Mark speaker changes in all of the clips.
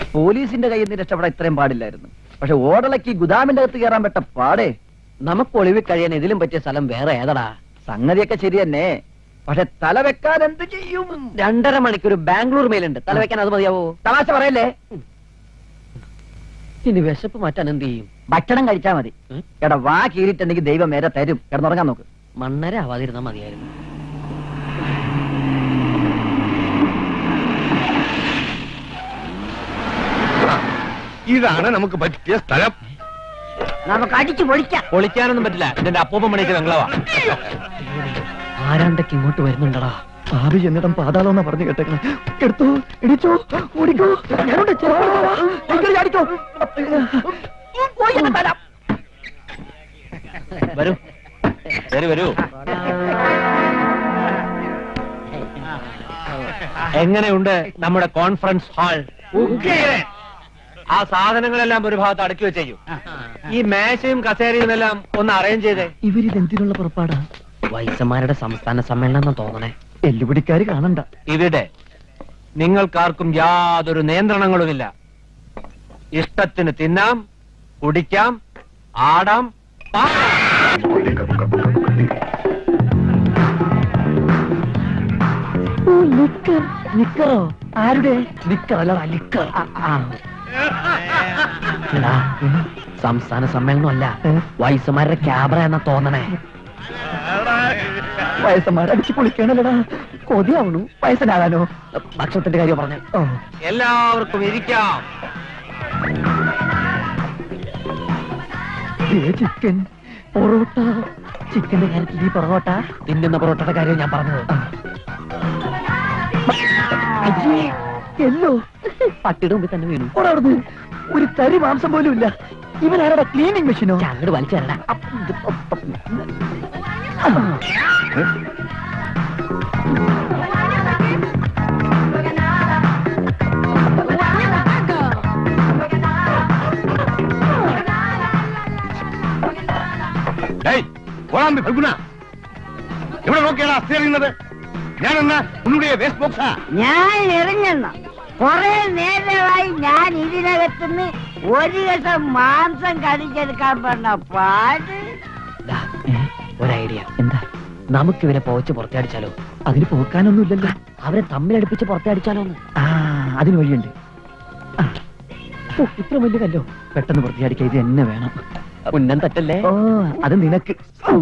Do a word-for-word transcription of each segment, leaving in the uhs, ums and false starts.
Speaker 1: പോലീസിന്റെ കയ്യിൽ നിന്ന് രക്ഷപ്പെടാൻ ഇത്രയും പാടില്ലായിരുന്നു. പക്ഷെ ഓടലക്ക് ഗുദാമിന്റെ അകത്ത് കയറാൻ പറ്റ പാടേ.
Speaker 2: നമുക്ക് ഒളിവിൽ കഴിയാൻ ഇതിലും പറ്റിയ സ്ഥലം വേറെ ഏതടാ?
Speaker 1: സംഗതിയൊക്കെ ശരി തന്നെ, പക്ഷെ തല വെക്കാൻ എന്ത് ചെയ്യും?
Speaker 2: രണ്ടര മണിക്കൂർ ബാംഗ്ലൂർ മേലുണ്ട്, തല വെക്കാൻ അത് മതിയാവോ?
Speaker 1: തമാശ പറയല്ലേ.
Speaker 2: ഇനി വിശപ്പ് മാറ്റാൻ എന്ത് ചെയ്യും?
Speaker 1: ഭക്ഷണം കഴിച്ചാ മതി. എടാ വാ കീറിട്ടുണ്ടെങ്കിൽ ദൈവം നേരെ തരും. കിടന്നുറങ്ങാൻ നോക്ക്.
Speaker 2: മണ്ണര ആവാതിരുന്നാ മതിയായിരുന്നു.
Speaker 3: ഇതാണ് നമുക്ക് പറ്റിയ സ്ഥലം.
Speaker 4: നമുക്ക് അടിച്ചു പൊളിക്കാം.
Speaker 2: പൊളിക്കാനൊന്നും പറ്റില്ല, ഇതിന്റെ അപ്പൂപ്പൻ പണിക്ക് ബംഗ്ലാവാ. ആരാണ്ടൊക്കെ ഇങ്ങോട്ട് വരുന്നുണ്ടടാ.
Speaker 1: ഭാവി എന്നിടം പാതാളം എന്നാ പറഞ്ഞു കേട്ടേക്കണം. എടുത്തോ, ഇടിച്ചോ, ഓടിക്കോ. ഞാനുണ്ട്, ചാടിക്കോ.
Speaker 2: വരൂ വരൂ വരൂ. എങ്ങനെയുണ്ട് നമ്മുടെ കോൺഫറൻസ് ഹാൾ? ആ സാധനങ്ങളെല്ലാം ഒരു ഭാഗത്ത് അടുക്കി വെച്ചേക്കും. ഈ മേശയും കസേരയും എല്ലാം ഒന്ന് അറേഞ്ച് ചെയ്തേ.
Speaker 1: ഇവരിതെന്തിനുള്ള പുറപ്പാടാ?
Speaker 2: വൈസന്മാരുടെ സംസ്ഥാന സമ്മേളനം തോന്നണേ.
Speaker 1: എല്ലുപിടിക്കാര് കാണണ്ട.
Speaker 2: ഇവിടെ നിങ്ങൾക്കാർക്കും യാതൊരു നിയന്ത്രണങ്ങളുമില്ല. ഇഷ്ടത്തിന് തിന്നാം, കുടിക്കാം, ആടാം.
Speaker 1: നിക്കറോ? ആരുടെ നിക്കർ? അല്ലടാ ലിക്കർ.
Speaker 2: സംസ്ഥാന സമ്മേളനം അല്ല, വൈസന്മാരുടെ ക്യാമറ എന്നാ തോന്നണേ.
Speaker 1: വയസ്സന്മാരടിച്ചു പൊളിക്കണല്ലടാ. കൊതിയാവണു വയസ്സനാകാനോ?
Speaker 2: ഭക്ഷണത്തിന്റെ കാര്യം പറഞ്ഞു. എല്ലാവർക്കും ഇരിക്കാം.
Speaker 1: ചിക്കൻ പൊറോട്ട. ചിക്കന്റെ കാര്യത്തിൽ ഈ പൊറോട്ട
Speaker 2: തിന്നുന്ന പൊറോട്ടയുടെ കാര്യം ഞാൻ പറഞ്ഞത്.
Speaker 1: എല്ലോ
Speaker 2: പട്ടിയുടെ മുമ്പിൽ തന്നെ വീണു.
Speaker 1: ഓടാടുന്നു. ഒരു തരി മാംസം പോലും ഇല്ല. ഇവനാരുടെ ക്ലീനിങ് മെഷീനോ?
Speaker 2: അങ്ങോട്ട് വലിച്ചേരടാ.
Speaker 3: ഇവിടെ നോക്കിയാണ് അസ്ഥി എറിയുന്നത്. ഞാൻ എന്നാ ഉള്ളുடைய വേസ്റ്റ് ബോക്സാ.
Speaker 4: ഞാൻ എറിഞ്ഞെന്ന കൊറേ നേരമായി ഞാൻ ഇതിനകത്തുനിന്ന് ഒരു ദിവസം മാംസം കടിച്ചെടുക്കാൻ പറഞ്ഞ പാട്.
Speaker 2: ഒരു ഐഡിയ. എന്താ? നമുക്ക് ഇവരെ പോവച്ച് പുറത്തടിച്ചാലോ?
Speaker 1: അതിന് പോക്കാനൊന്നും ഇല്ലല്ലോ.
Speaker 2: അവരെ തമ്മിലടുപ്പിച്ച് പുറത്തടിച്ചാലോ?
Speaker 1: ആ, അതിന് വഴിയുണ്ട്. ഇത്ര വലിയ കല്ലോ പെട്ടെന്ന് പുറത്തിയടിക്കാൻ ഇത് എന്നെ വേണം.
Speaker 2: ഉന്നം തട്ടല്ലേ?
Speaker 1: ഓ, അത് നിനക്ക്.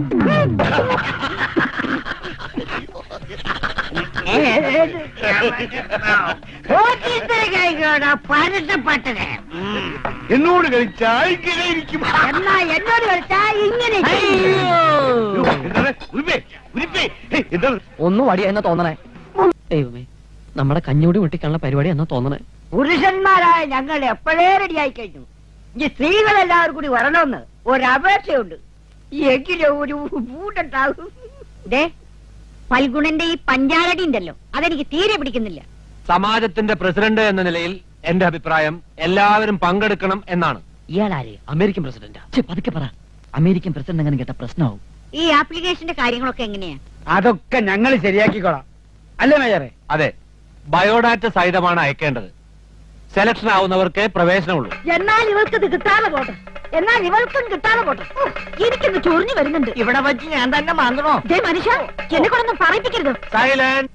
Speaker 3: എന്നോട് കളിച്ചാൽ ഇങ്ങനെ ഇരിക്കും.
Speaker 4: എന്നാ എന്നോട് കളിച്ചാൽ ഇങ്ങനെ.
Speaker 2: ഒന്നും വടിയ എന്നാ തോന്നണേ. ദൈവമേ, നമ്മുടെ കഞ്ഞൂടി മുട്ടിക്കാനുള്ള പരിപാടി എന്നാ തോന്നണേ.
Speaker 4: പുരുഷന്മാരായ ഞങ്ങൾ എപ്പോഴേ റെഡിയായി കഴിഞ്ഞു. ഈ സ്ത്രീകളെല്ലാവരും കൂടി വരണമെന്ന് ഒരപേക്ഷയുണ്ട്. എങ്കിലും ഒരു പൂട്ടുണ്ടാകും. ഫൽഗുണന്റെ ഈ പഞ്ചാരടി ഉണ്ടല്ലോ, അതെനിക്ക് തീരെ പിടിക്കുന്നില്ല.
Speaker 2: സമാജത്തിന്റെ പ്രസിഡന്റ് എന്ന നിലയിൽ എന്റെ അഭിപ്രായം എല്ലാവരും പങ്കെടുക്കണം എന്നാണ്. ഇയാളാര്? അമേരിക്കൻ പ്രസിഡന്റാ?
Speaker 1: പതുക്കെ പറ. അമേരിക്കൻ പ്രസിഡന്റ് അങ്ങനെ കേട്ട പ്രശ്നമാവും.
Speaker 4: ഈ ആപ്ലിക്കേഷന്റെ കാര്യങ്ങളൊക്കെ എങ്ങനെയാ?
Speaker 5: അതൊക്കെ ഞങ്ങൾ ശരിയാക്കിക്കോളാം, അല്ലേ മേജറെ?
Speaker 2: അതെ, ബയോഡാറ്റ സഹിതമാണ് അയക്കേണ്ടത്. സെലക്ഷൻ ആവുന്നവർക്ക് പ്രവേശനമുള്ളൂ.
Speaker 4: എന്നാൽ ഇവൾക്ക് ഇത് കിട്ടാതെ പോട്ടെ. എന്നാൽ ഇവൾക്കും കിട്ടാതെ പോട്ടെ. എനിക്കൊന്ന് ചൊറിഞ്ഞു വരുന്നുണ്ട്.
Speaker 5: ഇവിടെ വെച്ച് ഞാൻ തന്നെ മാന്തണോ?
Speaker 4: മനുഷ്യ, എന്നെ കൊണ്ടൊന്നും പറയിപ്പിക്കരുത്.
Speaker 2: സൈലന്റ്.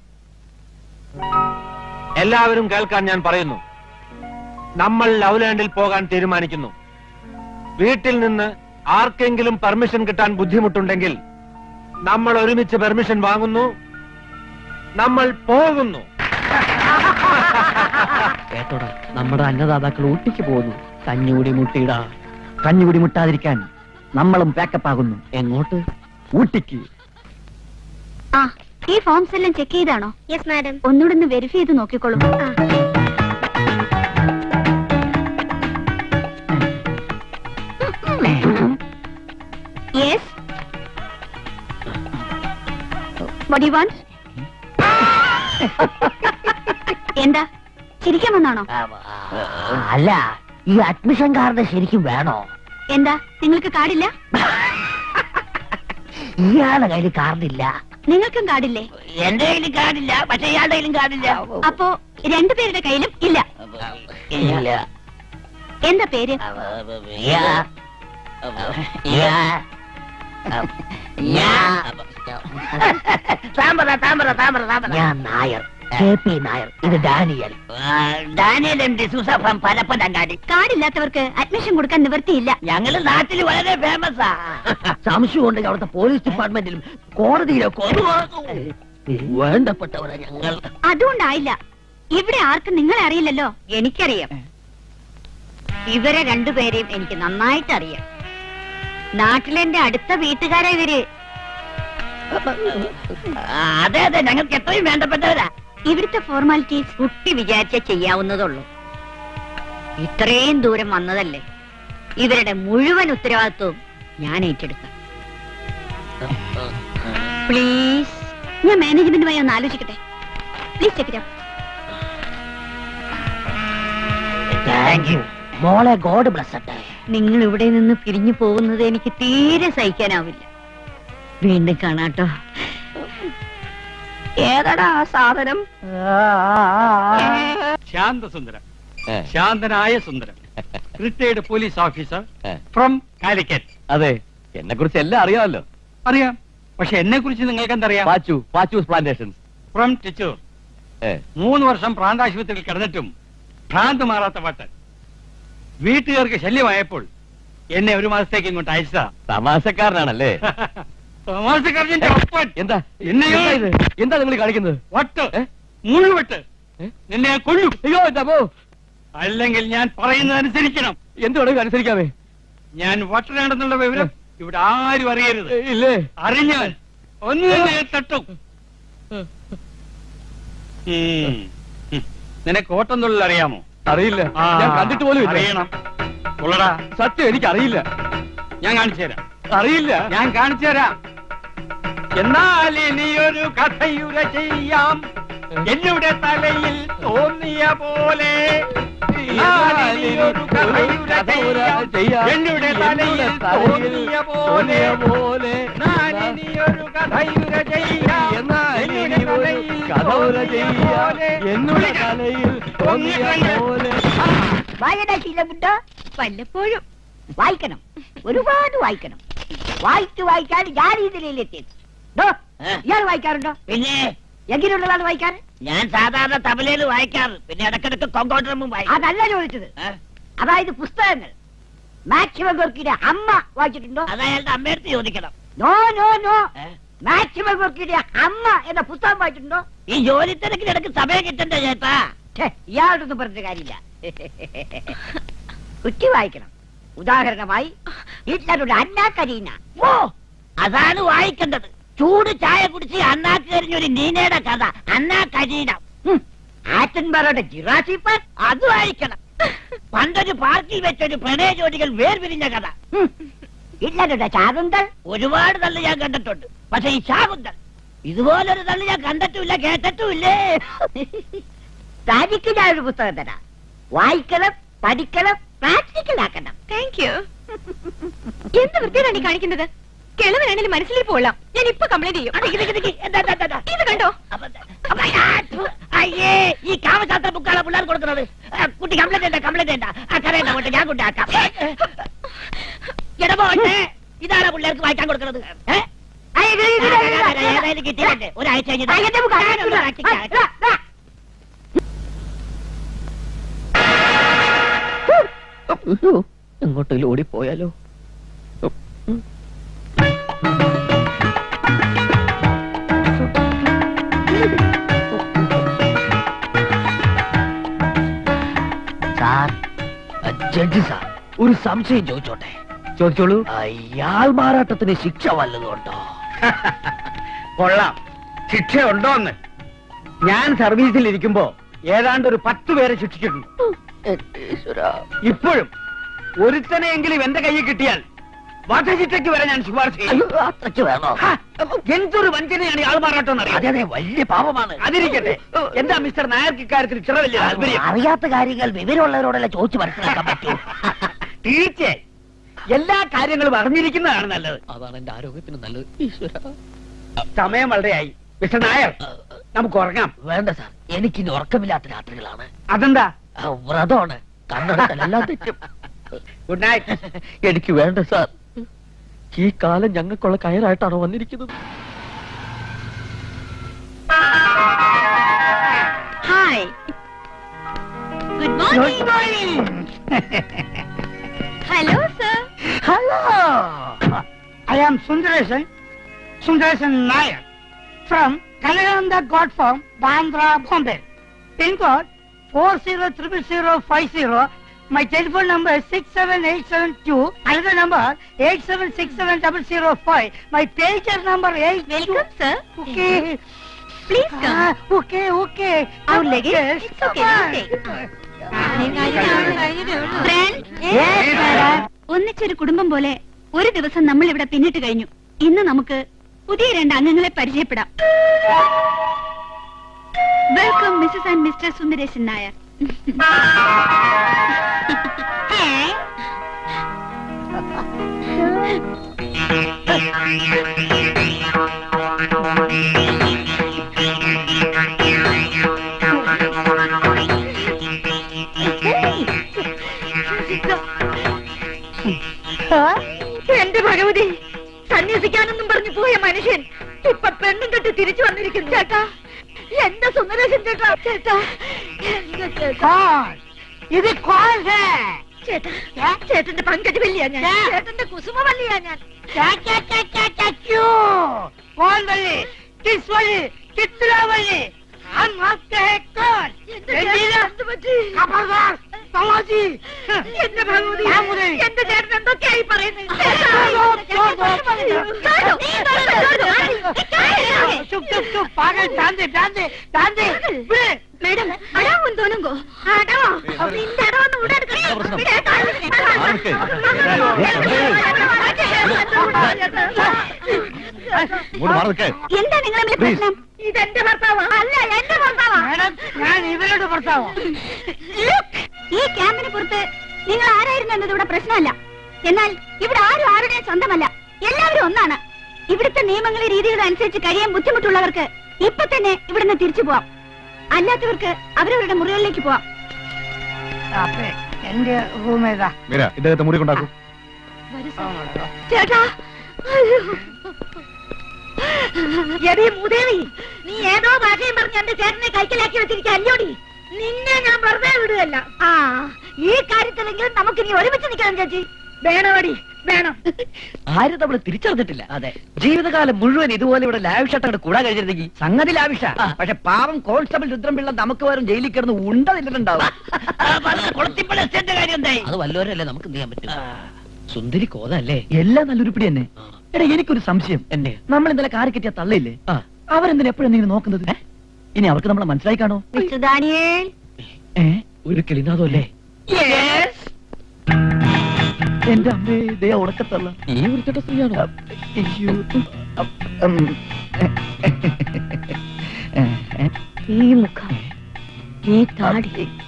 Speaker 2: എല്ലാവരും കേൾക്കാൻ ഞാൻ പറയുന്നു. നമ്മൾ ലവ്ലാൻഡിൽ പോകാൻ തീരുമാനിക്കുന്നു. വീട്ടിൽ നിന്ന് ആർക്കെങ്കിലും പെർമിഷൻ കിട്ടാൻ ബുദ്ധിമുട്ടുണ്ടെങ്കിൽ നമ്മൾ ഒരുമിച്ച് പെർമിഷൻ വാങ്ങുന്നു, നമ്മൾ പോകുന്നു. കേട്ടോടാ, നമ്മുടെ അന്നദാതാക്കൾ ഊട്ടിക്ക് പോകുന്നു. കഞ്ഞുകൂടി മുട്ടിയിടാ.
Speaker 1: കഞ്ഞുകൂടി മുട്ടാതിരിക്കാൻ നമ്മളും പാക്കപ്പ് ആകുന്നു.
Speaker 2: എങ്ങോട്ട്?
Speaker 1: ഊട്ടിക്ക്.
Speaker 6: ആ, ഈ ഫോംസ് എല്ലാം ചെക്ക് ചെയ്താണോ? Yes madam. ഒന്നുകൂടെ ഒന്ന് വെരിഫൈ ചെയ്ത് നോക്കിക്കോളൂ. Yes. What do you want? എന്താ ചിരിക്കാൻ വന്നാണോ?
Speaker 4: അല്ല, ഈ അഡ്മിഷൻ കാർഡ് ശരിക്കും വേണോ?
Speaker 6: എന്താ നിങ്ങൾക്ക് കാർഡില്ല?
Speaker 4: ഇയാളുടെ കയ്യിൽ കാർഡില്ല.
Speaker 6: നിങ്ങൾക്കും കാർഡില്ലേ?
Speaker 7: എന്റെ കയ്യിലും കാർഡില്ല, പക്ഷെ ഇയാളുടെ കയ്യിലും കാർഡില്ല.
Speaker 6: അപ്പോ രണ്ടുപേരുടെ കയ്യിലും ഇല്ല.
Speaker 7: ഇല്ല.
Speaker 6: എന്താ പേര്?
Speaker 7: ഞാൻ നായർ, കെ പി നായർ. ഇത് Daniel. Daniel M D'Souza from Parappanangadi.
Speaker 6: കാർഡില്ലാത്തവർക്ക് അഡ്മിഷൻ കൊടുക്കാൻ നിവൃത്തിയില്ല.
Speaker 7: ഞങ്ങള് നാട്ടിൽ വളരെ ഫേമസാ.
Speaker 1: സംശയം ഉണ്ടെങ്കിൽ അവിടുത്തെ പോലീസ് ഡിപ്പാർട്ട്മെന്റിലും കോടതിയിലൊക്കെ വേണ്ടപ്പെട്ടവരാ ഞങ്ങൾ.
Speaker 6: അതുകൊണ്ടായില്ല. ഇവിടെ ആർക്കും നിങ്ങളെ അറിയില്ലല്ലോ.
Speaker 4: എനിക്കറിയാം. ഇവരെ രണ്ടുപേരെയും എനിക്ക് നന്നായിട്ട് അറിയാം. നാട്ടിലെന്റെ അടുത്ത വീട്ടുകാരാ ഇവര്.
Speaker 7: അതെ അതെ, ഞങ്ങൾക്ക് എത്രയും വേണ്ടപ്പെട്ടവരാ.
Speaker 6: ഇവിടുത്തെ ഫോർമാലിറ്റീസ്
Speaker 4: കുട്ടി വിചാരിച്ച ചെയ്യാവുന്നതുള്ളൂ. ഇത്രയും ദൂരം വന്നതല്ലേ, ഇവരുടെ മുഴുവൻ ഉത്തരവാദിത്വവും ഞാൻ ഏറ്റെടുക്കാം.
Speaker 6: പ്ലീസ്. ഞാൻ മാനേജ്മെന്റുമായി ഒന്ന് ആലോചിക്കട്ടെ. Please check it out.
Speaker 7: Thank you മോളെ. ഗോഡ് ബ്ലസ്സട്ടെ.
Speaker 4: നിങ്ങൾ ഇവിടെ നിന്ന് പിരിഞ്ഞു പോകുന്നത് എനിക്ക് തീരെ സഹിക്കാനാവില്ല. വീണ്ടും കാണാട്ടോ.
Speaker 7: ഏതാടാ ആ സാധനം?
Speaker 5: ശാന്തസുന്ദരം, ശാന്തനായ സുന്ദരം, റിട്ടയർഡ് പോലീസ് ഓഫീസർ
Speaker 2: ഏ.
Speaker 5: ഫ്രം കാലിക്കറ്റ്.
Speaker 2: അതെ, എന്നെ കുറിച്ച് എല്ലാം അറിയാമല്ലോ.
Speaker 5: അറിയാം, പക്ഷെ എന്നെ കുറിച്ച് നിങ്ങൾക്ക് എന്തറിയാം?
Speaker 2: പാച്ചു പാച്ചൂസ് പ്ലാന്റേഷൻസ്.
Speaker 5: ഫ്രം ടിച്ചൂർ. മൂന്ന് വർഷം പ്രാന്താശുപത്രിയിൽ കിടന്നിട്ടും ഭ്രാന്ത് മാറാത്ത പാട്ട്. വീട്ടുകാർക്ക് ശല്യമായപ്പോൾ എന്നെ ഒരു മാസത്തേക്ക് ഇങ്ങോട്ട് അയച്ചതാ.
Speaker 2: തമാശക്കാരനാണല്ലേ?
Speaker 5: തമാശക്കാരന്റെ ഒപ്പൻ.
Speaker 2: എന്താ
Speaker 5: എന്നെയോ
Speaker 2: എന്താ ഇത്? എന്താ നിങ്ങൾ കാണിക്കുന്നത്?
Speaker 5: വട്ട്,
Speaker 2: ഏ?
Speaker 5: മുഴുവട്ട്
Speaker 2: ഏ?
Speaker 5: നിന്നെ ഞാൻ കൊല്ലും.
Speaker 2: അയ്യോ എന്താ?
Speaker 5: അല്ലെങ്കിൽ ഞാൻ പറയുന്നതനുസരിക്കണം.
Speaker 2: എന്ത് വേണമെങ്കിലും അനുസരിക്കാമേ.
Speaker 5: ഞാൻ വട്ടനാണെന്നുള്ള വിവരം ഇവിടെ ആരും അറിയരുത്.
Speaker 2: ഇല്ലേ?
Speaker 5: അറിഞ്ഞാൽ ഒന്ന് തന്നെ തട്ടും. ഉം. ഉം. നിനക്ക് ഓട്ടം തൊഴിൽ അറിയാമോ?
Speaker 2: അറിയില്ല,
Speaker 5: ആ,
Speaker 2: ഞാൻ കണ്ടിട്ട് പോലും ഇല്ല.
Speaker 5: അറിയണം. ഉള്ളടാ,
Speaker 2: സത്യം എനിക്ക് അറിയില്ല.
Speaker 5: ഞാൻ കാണിച്ചു തരാം.
Speaker 2: അറിയില്ല.
Speaker 5: ഞാൻ കാണിച്ചു തരാം. എന്നാൽ ഇനിയൊരു കഥയുര ചെയ്യാം എന്നുടെ തലയിൽ തോന്നിയ പോലെ. എന്നാൽ ഇനിയൊരു കഥയുര ചെയ്യാം എന്നുടെ തലയിൽ തോന്നിയ പോലെ. എന്നാൽ ഇനിയൊരു കഥയുര ചെയ്യാം എന്നുടെ തലയിൽ തോന്നിയ പോലെ.
Speaker 2: എന്നുടെ തലയിൽ തോന്നിയ പോലെ.
Speaker 7: വായനാ ശീലമുണ്ടോ?
Speaker 4: വല്ലപ്പോഴും
Speaker 7: വായിക്കണം, ഒരുപാട് വായിക്കണം. വായിച്ചു വായിച്ചാൽ ഞാൻ ഈ നിലയിലെത്തിയത്. ഇയാൾ വായിക്കാറുണ്ടോ? പിന്നെ എങ്ങനെയുള്ളതാണ് വായിക്കാൻ? ഞാൻ സാധാരണ തബലയിൽ വായിക്കാറ്, പിന്നെ ഇടക്കിടക്ക് കൊങ്കോട്ടറും വായിക്കും. അതല്ല ചോദിച്ചത്. അതായത് പുസ്തകങ്ങൾ. മാക്സിമം ഗോർക്കിയുടെ അമ്മ വായിച്ചിട്ടുണ്ടോ? അത് അയാളുടെ അമ്മയടുത്ത് ചോദിക്കണം. നോ നോ നോ മാക്സിമം ഗോർക്കിയുടെ അമ്മ എന്ന പുസ്തകം വായിച്ചിട്ടുണ്ടോ? ഈ ജോലി തിരക്കിനിടക്ക് സമയം കിട്ടണ്ടേ ചേട്ടാ? ഇയാളോടൊന്നും പറഞ്ഞ കാര്യമില്ല. കുറ്റി വായിക്കണം. ഉദാഹരണമായി ഹിറ്റ്ലറുടെ അന്നാ കരീന. ഓ, അതാണ് വായിക്കേണ്ടത്. ചൂട് ചായ കുടിച്ച് അന്നാക്ക് കരിഞ്ഞൊരു നീനയുടെ കഥ അന്നാ കരീന. ആറ്റൻബറോയുടെ ജിറാസി പാർക്ക് അത് വായിക്കണം. പണ്ടൊരു പാർക്കിൽ വെച്ചൊരു പ്രണയ ജോഡികൾ വേർപിരിഞ്ഞ കഥ. ഹിറ്റ്ലറുടെ ശാകുന്തൾ ഒരുപാട് തള്ളി ഞാൻ കണ്ടിട്ടുണ്ട്. പക്ഷെ ഈ ശാകുന്തൾ ഇതുപോലൊരു തള്ളി ഞാൻ കണ്ടിട്ടുമില്ല, കേട്ടിട്ടുമില്ലേ. തനിക്ക് ഞാൻ ഒരു പുസ്തകം തരാം. വായിക്കണം, പഠിക്കണം, പ്രാക്ടിക്കൽ ആക്കണം.
Speaker 6: Thank you. എന്ത് വൃത്തിയാണ് ഈ കാണിക്കുന്നത്? കിളവനാണെങ്കിലും മനസ്സിലേക്ക് പോകാം. ഞാൻ ഇപ്പൊ കംപ്ലൈന്റ് ചെയ്യും. ഇത് കണ്ടോ?
Speaker 7: അയ്യേ, ഈ കാമശാസ്ത്ര ബുക്കാണ് പിള്ളേർ കൊടുക്കുന്നത്. കുട്ടി കംപ്ലൈന്റ് ചെയ്യണ്ട, കംപ്ലൈന്റ് ചെയ്യണ്ട. ആ കരയണ്ട പോട്ടെ, ഞാൻ കൊണ്ടാക്കാം. ഇടപോട്ടെ, ഇതാണ് പിള്ളേർക്ക് വായിക്കാൻ കൊടുക്കുന്നത്. ഏതായാലും കിട്ടിയിട്ടുണ്ട്. ഒരാഴ്ച കഴിഞ്ഞിട്ട്
Speaker 1: എങ്ങോട്ടെങ്കിലും ഓടിപ്പോയാലോ?
Speaker 7: സാർ, ജഡ്ജി സാർ, ഒരു സംശയം ചോദിച്ചോട്ടെ?
Speaker 1: ചോദിച്ചോളൂ.
Speaker 7: ഇയാൾ മാറാട്ടത്തിന് ശിക്ഷ വല്ലതുണ്ടോ?
Speaker 5: കൊള്ളാം. ശിക്ഷയുണ്ടോന്ന് ഞാൻ സർവീസിൽ ഇരിക്കുമ്പോ ഏതാണ്ട് ഒരു പത്ത് പേരെ ശിക്ഷിച്ചിട്ടുണ്ട്. ഇപ്പോഴും ഒരുത്തനെയെങ്കിലും എന്റെ കയ്യിൽ കിട്ടിയാൽ വധശിക്ഷയ്ക്ക് വരെ ഞാൻ ശുപാർശ ചെയ്യും.
Speaker 7: അത്രയ്ക്ക് വേണോ?
Speaker 5: എന്തൊരു വഞ്ചനയാണ് ഇയാൾ മാറാട്ടം
Speaker 7: അതെ അതെ, വലിയ പാപമാണ്.
Speaker 5: അതിരിക്കട്ടെ, എന്താ മിസ്റ്റർ നായർക്ക് ഇക്കാര്യത്തിൽ ഇത്ര വലിയ താല്പര്യം?
Speaker 7: അറിയാത്ത കാര്യങ്ങൾ വിവരമുള്ളവരോടല്ല ചോദിച്ചു മനസ്സിലാക്കാൻ പറ്റൂ.
Speaker 5: തീർച്ചയായും എല്ലാ കാര്യങ്ങളും അറിഞ്ഞിരിക്കുന്നതാണ് നല്ലത്.
Speaker 1: അതാണ് എന്റെ ആരോഗ്യത്തിന് നല്ലത്. ഈശ്വര,
Speaker 5: സമയം വളരെയായി. മിസ്റ്റർ നായർ, നമുക്ക് ഉറങ്ങാം.
Speaker 7: വേണ്ട സാർ, എനിക്കിനി ഉറക്കമില്ലാത്ത രാത്രികളാണ്.
Speaker 5: അതെന്താ?
Speaker 7: വ്രതമാണ്, കണ്ണെടുക്കലെല്ലാം തെറ്റും.
Speaker 5: Good night.
Speaker 1: എനിക്ക് വേണ്ട സാർ. ഈ കാലം ഞങ്ങൾക്കുള്ള കയറായിട്ടാണോ വന്നിരിക്കുന്നത്?
Speaker 6: Hi, good morning. Hello sir.
Speaker 5: Hello, I am Sundaresan, Sundaresan Nair, from Kalananda God Farm, Bandra, Bombay. Pin code four zero triple zero five zero. My telephone number is six seven eight seven two. Another number eight seven six seven double zero five. My pager number eight.
Speaker 6: Welcome, sir.
Speaker 5: Okay.
Speaker 6: Please come.
Speaker 5: Ah, okay, okay.
Speaker 6: Our luggage?
Speaker 5: Yes,
Speaker 6: It's okay,
Speaker 5: come
Speaker 6: it's
Speaker 5: on.
Speaker 6: Friend,
Speaker 5: Yes, madam.
Speaker 6: ഒന്നിച്ചൊരു കുടുംബം പോലെ ഒരു ദിവസം നമ്മൾ ഇവിടെ പിന്നിട്ട് കഴിഞ്ഞു. ഇന്ന് നമുക്ക് പുതിയ രണ്ട് അംഗങ്ങളെ പരിചയപ്പെടാം. Welcome Mrs and Mr Sundaresan Nair. എന്റെ ഭഗവതി, സന്യസിക്കാനൊന്നും പറഞ്ഞു പോയ മനുഷ്യൻ ഇപ്പൊ പെണ്ണും കെട്ടി തിരിച്ചു വന്നിരിക്കുന്നു. ചേട്ടാ, എന്റെ സുന്ദരേശൻ ചേട്ടാ, ചേട്ടാ, എന്റെ ചേട്ടാ.
Speaker 5: ഇത് കോൾ ഹേ.
Speaker 6: ചേട്ടാ, ചേട്ടന്റെ പങ്കജവല്ലിയാ ഞാൻ, ചേട്ടന്റെ കുസുമവല്ലിയാ ഞാൻ.
Speaker 5: कौन बल्ले, किस वाले, कितना वाले, हम आपके हैं कौन? खबरदार, समाजी.
Speaker 6: എന്റെ ഭഗവതി, എന്റെ ചേട്ടൻ എന്തൊക്കെയായി പറയുന്നത്?
Speaker 5: चुप चुप चुप, पागल, ध्यान दे, ध्यान दे, ध्यान दे.
Speaker 6: മേഡം, അടാവും തോന്നുങ്കോ? അടവോ? നിന്റെ അടവൊന്നും ഇവിടെ എടുക്കണം. എന്താ നിങ്ങളെ പ്രശ്നം? ഇതെന്റെ ഭർത്താവാ? അല്ല, എന്റെ ഭർത്താവാ.
Speaker 5: मैडम, ഞാൻ ഇവരുടെ ഭർത്താവാ.
Speaker 6: ഈ ക്യാമ്പിന് പുറത്ത് നിങ്ങൾ ആരായിരുന്നു എന്നത് ഇവിടെ പ്രശ്നമല്ല. എന്നാൽ ഇവിടെ ആരും ആരുടെയും സ്വന്തമല്ല, എല്ലാവരും ഒന്നാണ്. ഇവിടുത്തെ നിയമങ്ങളെ രീതികളും അനുസരിച്ച് കഴിയാൻ ബുദ്ധിമുട്ടുള്ളവർക്ക് ഇപ്പൊ തന്നെ ഇവിടുന്ന് തിരിച്ചു പോവാം. അല്ലാത്തവർക്ക് അവരവരുടെ മുറികളിലേക്ക് പോവാം.
Speaker 5: എന്റെ റൂം ഏതാ?
Speaker 1: ഇദ്ദേഹത്തെ മുറി കൊണ്ടാക്കും.
Speaker 6: ചേട്ടാ, എടീ മൂദേവി, നീ ഏതോ ഭാഷയും പറഞ്ഞ് എന്റെ ചേട്ടനെ കൈക്കലാക്കി വെച്ചിരിക്കുക അല്ലോടി. നിന്നെ ഞാൻ വെറുതെ വിടുകയല്ല. ആ, ഈ കാര്യത്തിലെങ്കിലും നമുക്ക് ഇനി ഒരുമിച്ച് നിൽക്കണം ചേച്ചി. വേണോടി, വേണം.
Speaker 7: ആരും നമ്മൾ തിരിച്ചറിഞ്ഞിട്ടില്ല. അതെ, ജീവിതകാലം മുഴുവൻ ഇതുപോലെ ഇവിടെ ലാവിഷായിട്ട് കൂടാൻ കഴിഞ്ഞിരുന്നെങ്കിൽ സംഗതി ലാവിഷ. പക്ഷെ പാവം കോൺസ്റ്റബിൾ രുദ്രംപിള്ള നമുക്ക് വരും ജയിലിൽ കിടന്ന് ഉണ്ട നിന്നിട്ടുണ്ടാവും. അത് വല്ലവരല്ലേ നമുക്ക് എന്ത് ചെയ്യാൻ പറ്റും? സുന്ദരി കോതല്ലേ?
Speaker 1: എല്ലാം നല്ലൊരു പിടി തന്നെ. എടാ, എനിക്കൊരു സംശയം.
Speaker 7: എന്നെ
Speaker 1: നമ്മൾ ഇന്നലെ കാറി കിട്ടിയ തള്ളയില്ലേ, അവരെന്തിനാ എപ്പോഴെന്തെങ്കിലും നോക്കുന്നത്? ഇനി അവർക്ക് നമ്മളെ മനസ്സിലായി കാണോ?
Speaker 6: മിസ്റ്റർ ദാനിയേൽ,
Speaker 1: ഏ,
Speaker 7: ഒരു കിളിനാഥോ അല്ലേ?
Speaker 1: എന്റെ അമ്മേ, ഇതേ ഉടക്കത്തള്ള.
Speaker 7: ഈ വൃത്തിയുടെ സ്ത്രീയാണോ?
Speaker 1: അയ്യോ. ഉം.
Speaker 6: ഈ മുഖം, ഈ താടി,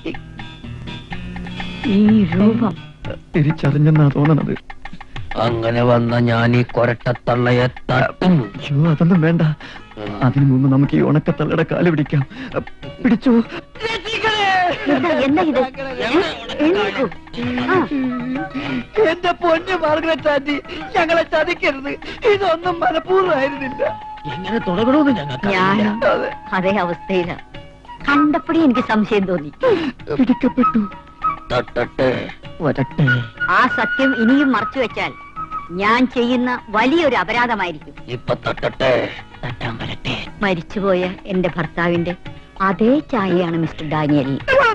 Speaker 6: ഈ രൂപം
Speaker 1: തിരിച്ചറിഞ്ഞെന്നാ തോന്നണത്.
Speaker 7: അങ്ങനെ വന്ന ഞാൻ ഈ കൊരട്ടത്തള്ളയെ തട്ടും.
Speaker 1: അയ്യോ, അതൊന്നും വേണ്ട. അതിനു മുമ്പ് നമുക്ക് ഈ ഉണക്കത്തള്ളയുടെ കാല് പിടിക്കാം. പിടിച്ചു.
Speaker 6: എന്താ എന്താ ഇത്? എണീക്കൂ. ആ,
Speaker 1: എന്റെ പൊന്നു മാർഗരറ്റ് ആന്റി, ഞങ്ങളെ ചതിക്കരുത്. ഇതൊന്നും മനഃപൂർവ്വമായിരുന്നില്ല.
Speaker 7: എങ്ങനെ തുടങ്ങണമെന്ന് ഞങ്ങൾക്ക്
Speaker 6: ഞാനും അതേ അവസ്ഥയിലാ. കണ്ടപ്പോഴേ എനിക്ക് സംശയം തോന്നി.
Speaker 1: പിടിക്കപ്പെട്ടു.
Speaker 7: തട്ടട്ടെ
Speaker 1: വരട്ടെ.
Speaker 6: ആ സത്യം ഇനിയും മറച്ചു വെച്ചാൽ ഞാൻ ചെയ്യുന്ന വലിയൊരു അപരാധമായിരിക്കും.
Speaker 7: ഇപ്പൊ തട്ടട്ടെ. തട്ടാൻ വരട്ടെ.
Speaker 6: മരിച്ചുപോയ എന്റെ ഭർത്താവിന്റെ അതേ ചായയാണ് മിസ്റ്റർ ഡാനിയൽ.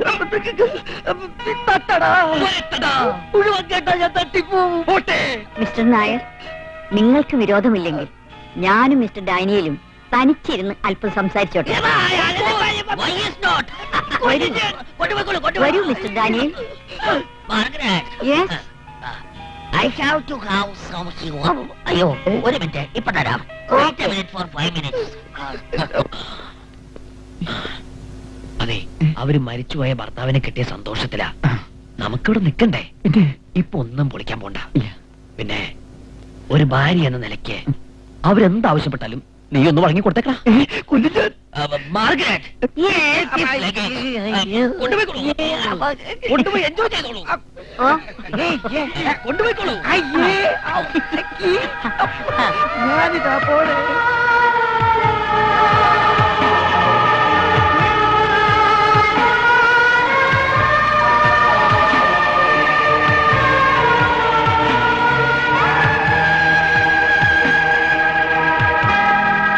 Speaker 6: മിസ്റ്റർ നായർ, നിങ്ങൾക്ക് വിരോധമില്ലെങ്കിൽ ഞാനും മിസ്റ്റർ ഡാനിയലും തനിച്ചിരുന്ന് അല്പം സംസാരിച്ചോട്ടെ. വരൂ Mr Daniel. Yes.
Speaker 7: I have to have some sugar. അയ്യോ, ഒരു മിനിറ്റ്, ഇപ്പൊ തരാം. Wait a minute for five minutes. അതെ, അവര് മരിച്ചുപോയ ഭർത്താവിനെ കിട്ടിയ സന്തോഷത്തിലാ. നമുക്കിവിടെ നിക്കണ്ടേ? ഇപ്പൊ ഒന്നും പൊളിക്കാൻ പോണ്ട. പിന്നെ ഒരു ഭാര്യ എന്ന നിലയ്ക്ക് അവരെന്താവശ്യപ്പെട്ടാലും
Speaker 1: നീ ഒന്ന് വഴങ്ങി കൊടുത്തേക്കാ കൊല്ലിച്ചാൻ
Speaker 7: കൊണ്ടുപോയി എൻജോയ് ചെയ്തോളൂ. കൊണ്ടുപോയിക്കോളൂ.
Speaker 1: ഞാനിതാ പോണേ